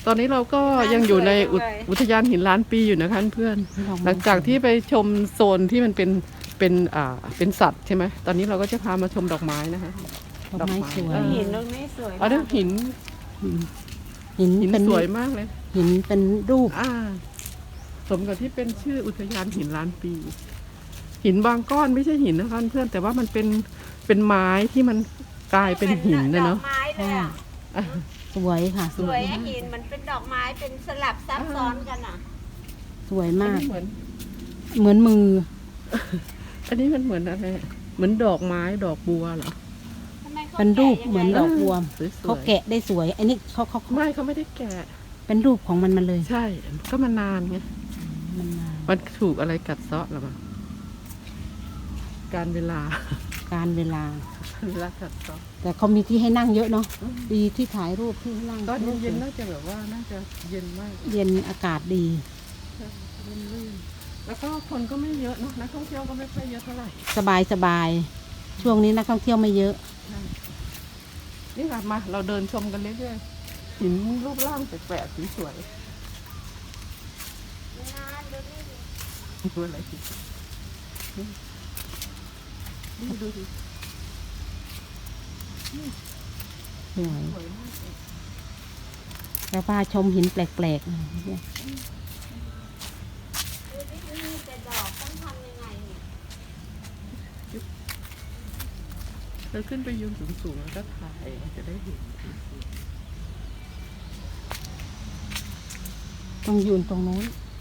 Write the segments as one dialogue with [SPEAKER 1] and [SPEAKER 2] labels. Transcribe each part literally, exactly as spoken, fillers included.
[SPEAKER 1] ตอนนี้เราก็ยังอยู่ในอุทอุทยานหินล้านปีอยู่นะคะเพื่อน หลังจากที่ไปชมโซนที่มันเป็นเป็นอ่าเป็นสัตว์ใช่ไหมตอนนี้เราก็จะพามาชมดอกไม้นะคะ
[SPEAKER 2] ดอกไม้สวย
[SPEAKER 3] หินตรงนี้สวย
[SPEAKER 1] อ๋อเรื่องหิน
[SPEAKER 2] หิน
[SPEAKER 1] หิน
[SPEAKER 2] เป็น
[SPEAKER 1] สวยมากเลย
[SPEAKER 2] หินเป็นรูป
[SPEAKER 1] อ่าสมกับที่เป็นชื่ออุทยานหินล้านปี หินบางก้อนไม่ใช่หินนะคะเพื่อนแต่ว่ามันเป็นเป็นไม้ที่มันกลายเป็นหินนะเนาะ
[SPEAKER 3] ดอกไม้เลยอ่ะ
[SPEAKER 1] อ่ะ
[SPEAKER 2] สวยค่ะ
[SPEAKER 3] สวยอะหินมันเป็นดอกไม้เป็นสลับซับซ้อนกันอ่ะ
[SPEAKER 2] สวย
[SPEAKER 1] อัน
[SPEAKER 2] มาก
[SPEAKER 1] นี้เหมือน
[SPEAKER 2] เหมือนมือ
[SPEAKER 1] อันนี้มันเหมือนอะไรเหมือนดอกไม้ดอกบัวเหรอ
[SPEAKER 3] ทำไมขา
[SPEAKER 2] เป็นรูป
[SPEAKER 3] แกะยังไง
[SPEAKER 2] เหมือนดอกบัว
[SPEAKER 1] สวยๆ
[SPEAKER 2] เขาแกะได้สวย อันนี้เขาเขา
[SPEAKER 1] ไม่เขาไม่ได้แกะ
[SPEAKER 2] เป็นรูปของมันมันเลย
[SPEAKER 1] ใช่ ก็มานานไง
[SPEAKER 2] มันมา
[SPEAKER 1] มันถูกอะไรกัดเซาะหรอมั้งการเวลา
[SPEAKER 2] การเวลา
[SPEAKER 1] เวลากัดเซาะ
[SPEAKER 2] แต่เขามีที่ให้นั่งเยอะเนาะดีที่ถ่ายรูปที่ให้นั่ง
[SPEAKER 1] ตอนเย็นๆน่าจะแบบว่าน่าจะเย็นมาก
[SPEAKER 2] เย็นอากาศดี
[SPEAKER 1] เย็นลื่นแล้วก็คนก็ไม่เยอะเนาะนักท่องเที่ยวก็ไม่ค่อยเยอะเท่าไหร่
[SPEAKER 2] สบายสบายช่วงนี้นักท่องเที่ยวไม่เยอะ
[SPEAKER 1] นี่ค่ะมาเราเดินชมกันเรื่อยๆหินรูปร่างแปลกๆสวย
[SPEAKER 3] นานดูนี่
[SPEAKER 1] ๆดูอะไรสินี่ดูสิ
[SPEAKER 2] สวย
[SPEAKER 1] สวยมากเลย
[SPEAKER 2] แล้วพาชมหินแปลกๆ
[SPEAKER 3] ดูนี่มีแต่ดอกต้องทำยังไงเนี่ย
[SPEAKER 1] เราขึ้นไปยืนสูงๆแล้วก็ถ่ายจะได้เห็น
[SPEAKER 2] ต้องยืนตรงนู้น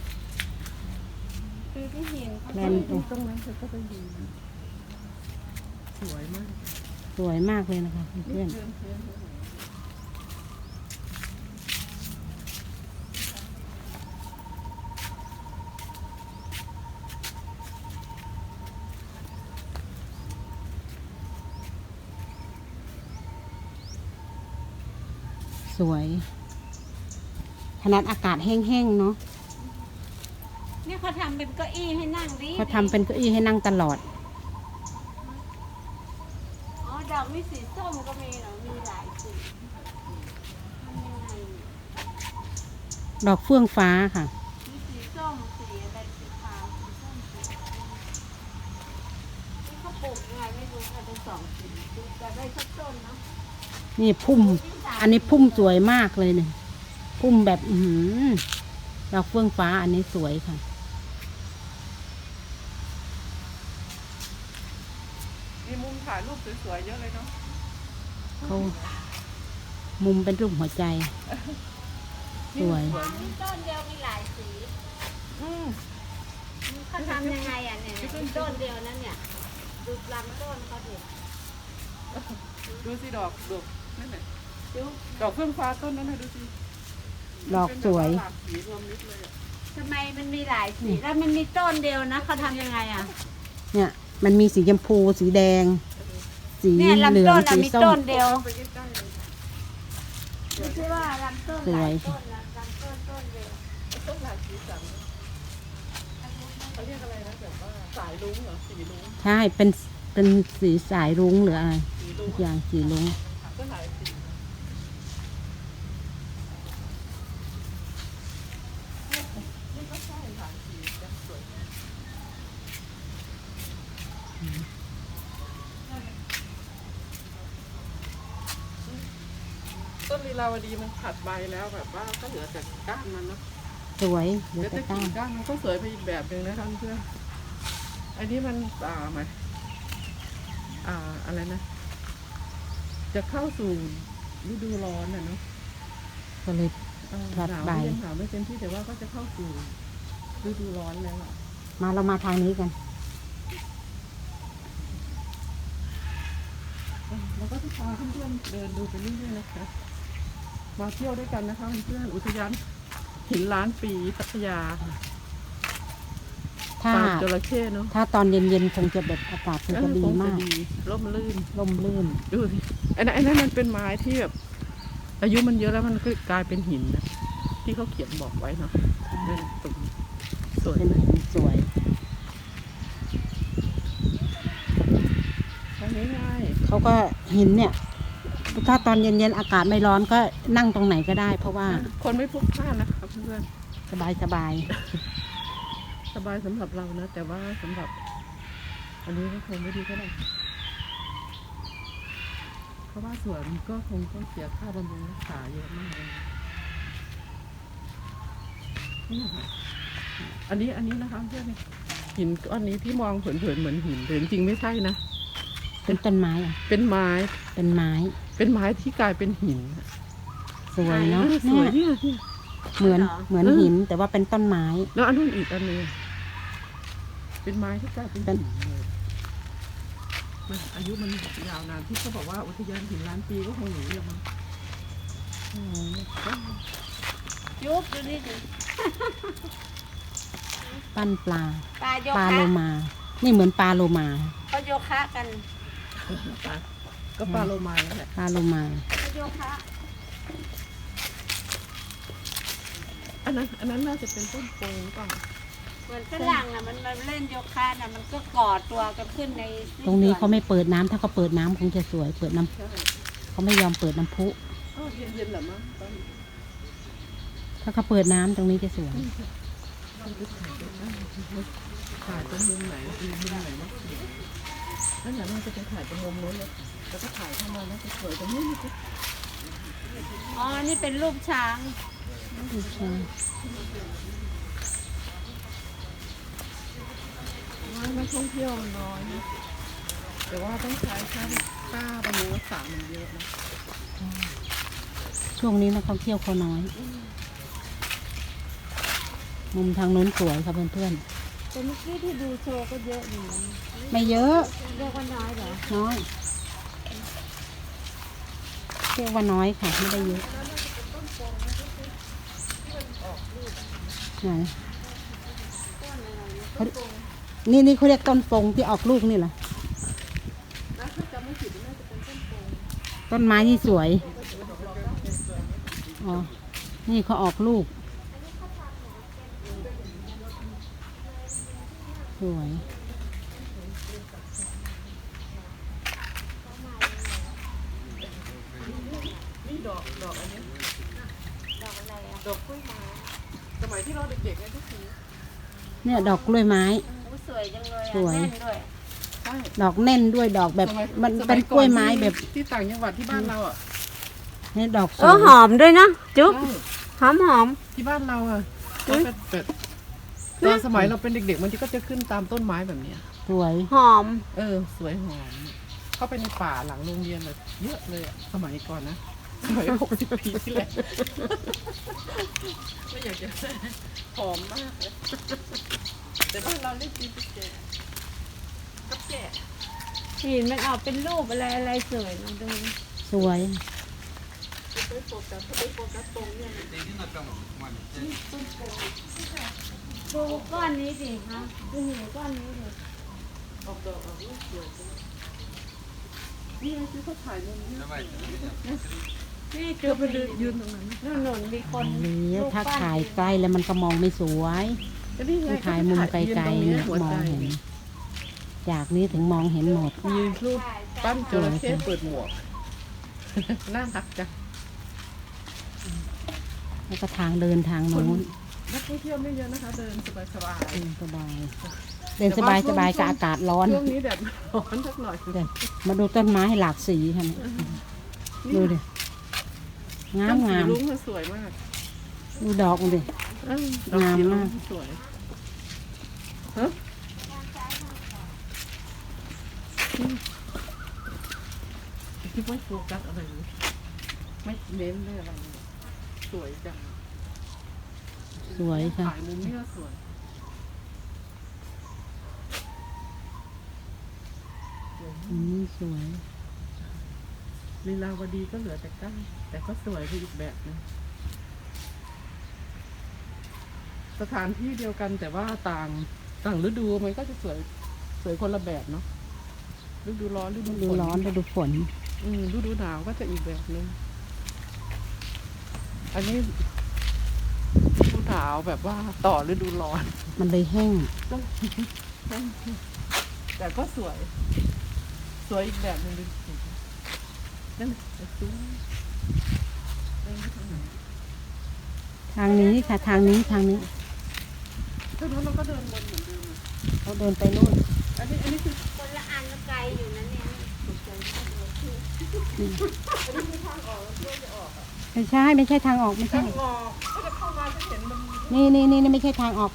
[SPEAKER 3] ดูที่หินเขา
[SPEAKER 2] แม
[SPEAKER 1] ต
[SPEAKER 2] น
[SPEAKER 1] รงตรงนั้นเธอก็ไปยืนสวยมาก
[SPEAKER 2] สวยมากเลยนะคะเพื่อน
[SPEAKER 1] เพื่อนเพื่อน
[SPEAKER 2] สวย ขนาดอากาศแห้งๆเนาะ
[SPEAKER 3] เนี่ยเขาทำเป็นเก้าอี้ให้นั่งดิ
[SPEAKER 2] เขาทำเป็นเก้าอี้ให้นั่งตลอด
[SPEAKER 3] อ๋อดอกมีสีส้มก็มีเหรอมีหลายสีทำยังไงเนี่ย
[SPEAKER 2] ดอกเฟื่องฟ้าค่ะ
[SPEAKER 3] มีสีส้มสีอะไรสีขาวสีส้มสีนี่เขาปลูกยังไงไม่รู้ค่ะเป็นสองสีดูแต่ได้สักต้นเนาะ
[SPEAKER 2] นี่พุ่ม อันนี้พุ่มสวยมากเลยเนี่ยพุ่มแบบอือหือดอกเฟื่องฟ้าอันนี้สวยค่ะ
[SPEAKER 1] มีมุมถ่ายรูปสวยๆเยอะเลยเนาะ
[SPEAKER 2] เขามุมเป็นรูปหัวใจ สวย
[SPEAKER 3] มีต้นเดียวมีหลายสี
[SPEAKER 1] อืม
[SPEAKER 3] เขาทำยังไงอ่ะเนี่ยเนี่ยมีต้นเดียวนั่นเนี่ยดูลำต้นเขาดิ
[SPEAKER 1] ดูสิดอกดอกนั่นแหละดอกเฟื่องฟ้าต้นนั้นนะดูสิ
[SPEAKER 2] ดอกสวย
[SPEAKER 1] เป็นแบบาหลากสีรวมมิตรเลยอะ
[SPEAKER 3] ทำไมมันมีหลายสีแล้วมันมีต้นเดียวนะเขาทำยังไงอ่ะ
[SPEAKER 2] เนี่ย มันมีสีชมพูสีแดง สี
[SPEAKER 3] เนี่ย
[SPEAKER 2] เหลื
[SPEAKER 3] ลำ
[SPEAKER 2] อง
[SPEAKER 3] ต้นอะ
[SPEAKER 2] สี
[SPEAKER 3] มี
[SPEAKER 2] ส้
[SPEAKER 3] ต้
[SPEAKER 2] ม
[SPEAKER 3] นเดียว
[SPEAKER 1] ไปใกล้ๆเลย
[SPEAKER 3] ไม่ใช่ว่าลำต้น
[SPEAKER 2] ส
[SPEAKER 3] ห
[SPEAKER 2] ว
[SPEAKER 3] ลาย ยต้นนะลำต้นต้นเดียว
[SPEAKER 1] ต้นหลากสีสันเขาเรียกอะไรนะแบบว่าสายรุ้งเหรอสีรุ้ง
[SPEAKER 2] ใช่ เป็น เป็นสีสายรุ้งหรืออะไร
[SPEAKER 1] สีรุ้
[SPEAKER 2] ทุ
[SPEAKER 1] ง
[SPEAKER 2] กอย่างสีรุ้ง
[SPEAKER 1] ก็หลายสีนี่ก็ใช่หลายสีจะสวยต้นลีลาวดีมันผัดใบแล้วแบบว่าก็เหลือแต่ก้านมันเนาะ
[SPEAKER 2] สวยเห
[SPEAKER 1] เห
[SPEAKER 2] ลื
[SPEAKER 1] ลื
[SPEAKER 2] อ
[SPEAKER 1] อ
[SPEAKER 2] แต่
[SPEAKER 1] แต่
[SPEAKER 2] ก้า
[SPEAKER 1] กิ่
[SPEAKER 2] น
[SPEAKER 1] งก้านมันก็สวยไปอีกแบบหนึ่งนะท่านเพื่อนอันนี้มันอ่าไหมอ่าอะไรนะ จะเข้าสู่ฤดูร้อนน่ะเนาะ
[SPEAKER 2] ก็เลย
[SPEAKER 1] เออ
[SPEAKER 2] ผัด
[SPEAKER 1] หนาว
[SPEAKER 2] ใบ
[SPEAKER 1] ไม่ยังหนาวไม่เต็มที่แต่ว่าก็จะเข้าสู่ฤดูร้อนแล้วอะ
[SPEAKER 2] มาเรามาทางนี้กัน
[SPEAKER 1] เออแล้วก็จะพาเพื่อนๆเดินดูไปเรื่อยๆนะคะมาเที่ยวด้วยกันนะคะเพื่อนๆอุทยานหินล้านปีพัทยา
[SPEAKER 2] ถ้า
[SPEAKER 1] ปากจระเข้เนาะ
[SPEAKER 2] ถ้าตอนเย็นๆคงจะแบบอากาศคงจะดี
[SPEAKER 1] เออคง
[SPEAKER 2] มาก
[SPEAKER 1] ดีร่มรื่น
[SPEAKER 2] ร่มรื่น
[SPEAKER 1] ดูสิไอ้นั่นไอ้นั่นมันเป็นไม้ที่แบบอายุมันเยอะแล้วมันก็กลายเป็นหินนะที่เขาเขียนบอกไว้เนาะนั่นตรงนี้สวย
[SPEAKER 2] เป็น
[SPEAKER 1] นะ
[SPEAKER 2] หินสวย
[SPEAKER 1] ทางนี้ง่าย
[SPEAKER 2] เขาก็หินเนี่ยถ้าตอนเย็นๆอากาศไม่ร้อนก็นั่งตรงไหนก็ได้ เพราะว่า
[SPEAKER 1] คนไม่พลุกพล่านนะครับเพื่อน
[SPEAKER 2] สบายสบาย
[SPEAKER 1] สบายสำหรับเรานะ แต่ว่าสำหรับ อันนี้ก็คงไม่ดีก็ได้เพราะว่าสวนก็คงต้องเสียค่าบำรุงรักษาเยอะมากเลยนี่ค่ะอันนี้อันนี้นะคะเพื่อนหินก้อนนี้ที่มองเผินๆเหมือนหินแต่จริงๆไม่ใช่นะ
[SPEAKER 2] เป็นต้นไม้อะ
[SPEAKER 1] เป็นไม้
[SPEAKER 2] เป็นไม้
[SPEAKER 1] เป็นไม้ที่กลายเป็นหิน
[SPEAKER 2] สวยเนาะ
[SPEAKER 1] ส
[SPEAKER 2] เนี่
[SPEAKER 1] วย
[SPEAKER 2] ย
[SPEAKER 1] เนี่ยเนี่ย
[SPEAKER 2] เหมือนเหมือนหินแต่ว่าเป็นต้นไม้
[SPEAKER 1] แล้วอันนู้นอีกอันหนึงเป็นไม้ที่กลายเป็น
[SPEAKER 2] เป็น
[SPEAKER 1] หินเลยมันอายุมันยาวนานที่เขาบอกว่าอุทยานหินล้านปีก็คงอย่างนี้แหละมั้งอืม
[SPEAKER 3] ยุบดูนี่ดิ
[SPEAKER 2] ปั้นปลา
[SPEAKER 3] ปลาโย
[SPEAKER 2] ปลา
[SPEAKER 3] คะ
[SPEAKER 2] โลมา นี่เหมือนปลาโลมา
[SPEAKER 3] เขาโยคะกัน
[SPEAKER 1] ก็ปลาโลมานั่นแหละ
[SPEAKER 2] ปลาโลมา
[SPEAKER 3] เขาโยคะ
[SPEAKER 1] อันนั้นอันนั้นน่าจะเป็นต้นโพงเปล่า
[SPEAKER 3] เหมือนฝรั่งอ่ะมันมันเล่นโยคะน่ะมันก็กอดตัวกันขึ้นใน
[SPEAKER 2] ตรงนี้เขาไม่เปิดน้ำถ้าเขาเปิดน้ำคงจะสวย เปิดน้
[SPEAKER 1] ใช่
[SPEAKER 2] ำเขาไม่ยอมเปิดน้ำพุ
[SPEAKER 1] อ้าวเย็นๆเหรอมั้งตอน
[SPEAKER 2] ถ้าเขาเปิดน้ำตรงนี้จะสวย
[SPEAKER 1] ถ่ายตรงมุมไหนมุมไหนนะนั่นแหละน่าจะไปถ่ายตรงมุมนู้นเลยแล้วก็ถ่ายเข้ามาแล้วจะสวยตรงนี้นี่สิ
[SPEAKER 3] อ๋อนี่เป็นรูปช้าง
[SPEAKER 1] ว่านักท่องเที่ยวมันน้อยนะแต่ว่าต้องใช้ค่าค่าบำรุงรักษามันเยอะนะ
[SPEAKER 2] ช่วงนี้นักท่องเที่ยวเขาน้อย มุมทางโน้นสวยค่ะเพื่อน
[SPEAKER 3] แต่เมื่อกี้ที่ดูโชว์ก็เยอะอยู่นะ
[SPEAKER 2] ๆ ไม่เยอะ
[SPEAKER 3] เรียกว่าน้อยเหรอ
[SPEAKER 2] น้อยเรียกว่าน้อยค่ะ ไม่ได้เยอะไหนเขานี่นี่เขาเรียกต้นฟงที่ออกลูกนี่เหรอ
[SPEAKER 1] แล้วถ้าจำไม่ผิดน่าจะเป็นต้นโพง
[SPEAKER 2] ต้นไม้นี่สวย อ๋อ นี่เขาออกลูก สวย
[SPEAKER 1] นี่ดอกดอกอันนี้
[SPEAKER 3] ดอกอะไรอ่ะ
[SPEAKER 1] ดอกกล้วยไม้สมัยที่เราเด็กๆเนี่ยทุกที
[SPEAKER 2] เนี่ยดอกกล้วยไม้
[SPEAKER 3] โอ้สวยจังเลย
[SPEAKER 2] ส
[SPEAKER 3] อ่ะ
[SPEAKER 2] วย
[SPEAKER 3] แน่นด้วย
[SPEAKER 1] ใช่
[SPEAKER 2] ดอกแน่นด้วยดอกแบบ
[SPEAKER 1] สมัย
[SPEAKER 2] มัน
[SPEAKER 1] ส
[SPEAKER 2] เป็น
[SPEAKER 1] ย
[SPEAKER 2] กล้วยไม้
[SPEAKER 1] ที่
[SPEAKER 2] แบบ
[SPEAKER 1] ที่ต่างจังหวัดที่บ้านเราอ่ะ
[SPEAKER 2] นี่ดอกส
[SPEAKER 3] เอ
[SPEAKER 2] ว
[SPEAKER 3] อย หอมด้วยนะจุ๊บ
[SPEAKER 1] ใช่
[SPEAKER 3] หอมหอม
[SPEAKER 1] ที่บ้านเราอ่ะ
[SPEAKER 3] อุ๊
[SPEAKER 1] ก็
[SPEAKER 3] ย
[SPEAKER 1] เป็นเป็ดตอนสมัยเราเป็นเด็กๆมันก็จะขึ้นตามต้นไม้แบบเนี้ย
[SPEAKER 2] สวย
[SPEAKER 3] หอม
[SPEAKER 1] เออ สวยหอม เข้าไปในป่าหลังโรงเรียนแบบเยอะเลยอะสมัยก่อนนะ สมัยหกสิบปีที่แล้วไม่อยากจะหอมมากเลยแต่บ้านเราเรียกจีนแก่กับแก่
[SPEAKER 3] หินมันออกเป็นรูปอะไรอะไรสวยลองดู
[SPEAKER 2] สวย
[SPEAKER 1] ไปโฟกัสไปโฟกัสตรงเนี่ย
[SPEAKER 3] ดูก้อนนี้สิฮะดูหินก้อนนี้สิ
[SPEAKER 1] ออกดอกออกลูกสวยจังนี่ไงที่เขาถ่ายมุมนี้
[SPEAKER 3] นี่
[SPEAKER 1] เธ
[SPEAKER 3] จุ๊
[SPEAKER 1] อบ ไปเดินยืนตรงนั้น
[SPEAKER 3] นู่นหนุนมีคน
[SPEAKER 2] นี่
[SPEAKER 3] รูป
[SPEAKER 2] ถ้า
[SPEAKER 3] ปั้น
[SPEAKER 2] ถ่ายใกล้แล้วมันก็มองไม่สวย
[SPEAKER 1] ก็นี่ไง
[SPEAKER 2] ถ้าถ่ายมุมไกลๆเนี่ย
[SPEAKER 1] หัว
[SPEAKER 2] มอ
[SPEAKER 1] ใจ
[SPEAKER 2] งเห็น จากนี้ถึงมองเห็นหมด
[SPEAKER 1] มีรูปปั้นจระเข้เปิดหมวก น่ารักจัง
[SPEAKER 2] แล้วก็ทางเดินทางโน้น
[SPEAKER 1] นักท่องเที่ยวไม่เยอะนะคะ เดินสบายสบาย
[SPEAKER 2] เดินสบาย เดินสบายสบายกับอากาศร้อน
[SPEAKER 1] ช่วงนี้แดดร้อนสักหน่อย
[SPEAKER 2] เดี๋ยวมาดูต้นไม้หลากสีค่ะเนี่ยดูดิ งาม
[SPEAKER 1] ต้นสี
[SPEAKER 2] งาม
[SPEAKER 1] รุ้งมันสวยมาก
[SPEAKER 2] ดูดอกมันดิ
[SPEAKER 1] เออดอกสีรุ้
[SPEAKER 2] งามมาก
[SPEAKER 1] สวยฮะคิดว่าโฟกัสอะไรเลยไม่เน้นเลยอะไรเลยสวยจัง
[SPEAKER 2] สวยค่ะ
[SPEAKER 1] ถ่ายมุมนี้ก็สวยสวย
[SPEAKER 2] อืมสวย
[SPEAKER 1] ลีลาวดีก็เหลือแต่ก้านแต่ก็สวยไปอีกแบบนึงสถานที่เดียวกันแต่ว่าต่างต่างฤดูมันก็จะสวยสวยคนละแบบเนาะฤดูร้อนฤดู
[SPEAKER 2] ดู
[SPEAKER 1] ฝน
[SPEAKER 2] ร้อนดูฝน
[SPEAKER 1] อืมฤดูหนาวก็จะอีกแบบนึงอันนี้ฤดูหนาวแบบว่าต่อฤดูร้อน
[SPEAKER 2] มันเลยแห้ง
[SPEAKER 1] แต่ก็สวย สวยอีกแบบหนึงดูนั่นไอ้ซุ้มเดินไปทางไหน
[SPEAKER 2] ทางนี้ค่ะ ทางนี้ทางนี้
[SPEAKER 1] ถ้านู้นเราก็เดินวนเหมือนเดิมอะ
[SPEAKER 2] เขาเดินไปนู่น
[SPEAKER 1] อันนี้อันนี้คือ
[SPEAKER 3] คนละอันละไกลอยู่นะเนี่ย
[SPEAKER 1] ตกใจมากเลยคืออันนี้คือทางออกแล้วเพื่อจะออกอ่ะ
[SPEAKER 2] ไม่ใช่ไม่ใช่ทางออกไม่
[SPEAKER 1] ทา
[SPEAKER 2] ใช่
[SPEAKER 1] งออกก็จะเข้ามาจะเห็นมัน
[SPEAKER 2] นี่นี่นี่นี่ไม่ใช่ทางออก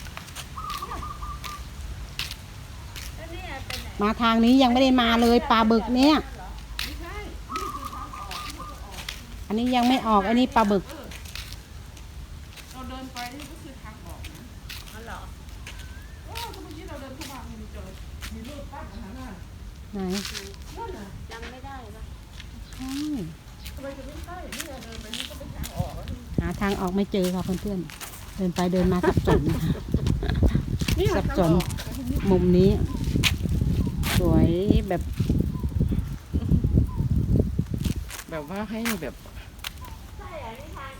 [SPEAKER 3] แล้วเนี่ยไปไหน
[SPEAKER 2] มาทางนี้ยังไม่ได้มาเลยปลาบึกเนี่ย
[SPEAKER 1] ไม่ใช่นี่คือทางออกที่เราจะออก
[SPEAKER 2] อันนี้ยังไม่ออกอันนี้ปลาบึก
[SPEAKER 1] เราเดินไปนี่ก็คือทางออกนะ
[SPEAKER 3] อ๋อเหรอ
[SPEAKER 1] เออก็เมื่อกี้เราเดินเข้ามามีเจอมีรูปปั้นอาหารน่ะ
[SPEAKER 2] ไหน
[SPEAKER 1] นั่นน่ะ
[SPEAKER 3] จำไม่ได้ปะ
[SPEAKER 2] ใช่
[SPEAKER 1] ทำไมจะไม่ใช่นี่เดินไปนี่ก็เป็นทางออกแล้วนี่
[SPEAKER 2] หาทางออกไม่เจอค่ะเพื่อนๆเดินไปเดินมาสับสนค่ะ
[SPEAKER 1] นี่
[SPEAKER 2] สับสน
[SPEAKER 1] ทางออก
[SPEAKER 2] มุมนี้ สวยแบบ
[SPEAKER 1] แบบว่าให้แบบ